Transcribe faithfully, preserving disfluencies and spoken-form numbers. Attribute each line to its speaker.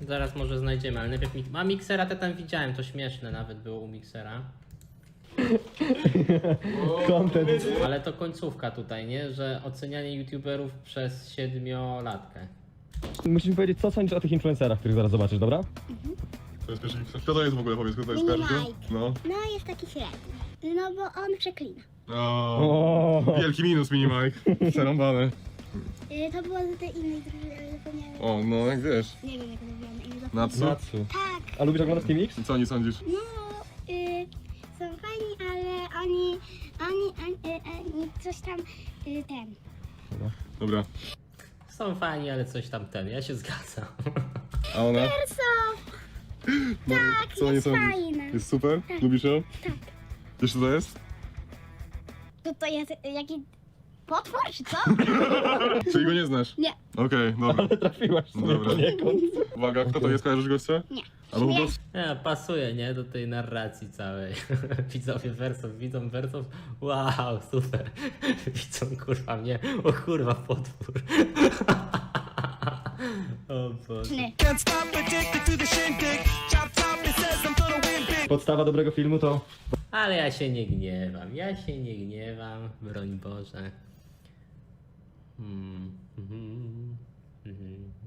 Speaker 1: Zaraz może znajdziemy, ale najpierw... Mi... A Mixera to tam widziałem, to śmieszne nawet było u Mixera.
Speaker 2: Content.
Speaker 1: Ale to końcówka tutaj, nie? Że ocenianie youtuberów przez siedmiolatkę.
Speaker 2: Musisz mi powiedzieć, co sądzisz o tych influencerach, których zaraz zobaczysz, dobra?
Speaker 3: To jest pierwszy Kto to jest w ogóle, powiedz, kto to jest
Speaker 4: Mini
Speaker 3: pierwszy?
Speaker 4: Mike.
Speaker 3: No.
Speaker 4: No jest taki średni. No bo on przeklina.
Speaker 3: O,
Speaker 2: O.
Speaker 3: wielki minus, Mini Mike. Przerąbane.
Speaker 4: Y, to było z tej innej drużyny, ale zapomniałem.
Speaker 3: O, no jak wiesz.
Speaker 4: Nie wiem jak nazywamy imię. zapomniałem.
Speaker 3: Natsu?
Speaker 2: Natsu.
Speaker 4: Tak,
Speaker 2: A lubisz oglądać Team X?
Speaker 3: I co nie sądzisz?
Speaker 4: no y, są fajni, ale oni, oni, oni, y, oni coś tam y, ten.
Speaker 3: Dobra.
Speaker 1: Są fajni, ale coś tam ten, ja się zgadzam.
Speaker 3: A ona?
Speaker 4: Perso!
Speaker 3: No,
Speaker 4: Tak,
Speaker 3: co nie
Speaker 4: jest
Speaker 3: sądzisz?
Speaker 4: fajna.
Speaker 3: Jest super? Lubisz ją?
Speaker 4: Tak.
Speaker 3: Wiesz co to jest?
Speaker 4: To to jest jaki potwór czy co?
Speaker 3: Czyli go nie znasz?
Speaker 4: Nie.
Speaker 3: Okej, dobra.
Speaker 2: Ale trafiłaś sobie
Speaker 3: Dobra.
Speaker 2: poniekąd.
Speaker 3: Uwaga, kto to jest? Kojarzysz gościa?
Speaker 4: Nie.
Speaker 3: Albo po
Speaker 4: Nie.
Speaker 3: prostu...
Speaker 1: Nie, pasuje, nie? Do tej narracji całej. Widzowie wersów, widzą wersów. Wow, super. Widzą kurwa mnie. O kurwa, potwór. O Boże.
Speaker 4: Nie.
Speaker 2: Podstawa dobrego filmu to...
Speaker 1: Ale ja się nie gniewam, ja się nie gniewam, broń Boże. Hmm. Mhm. Mhm.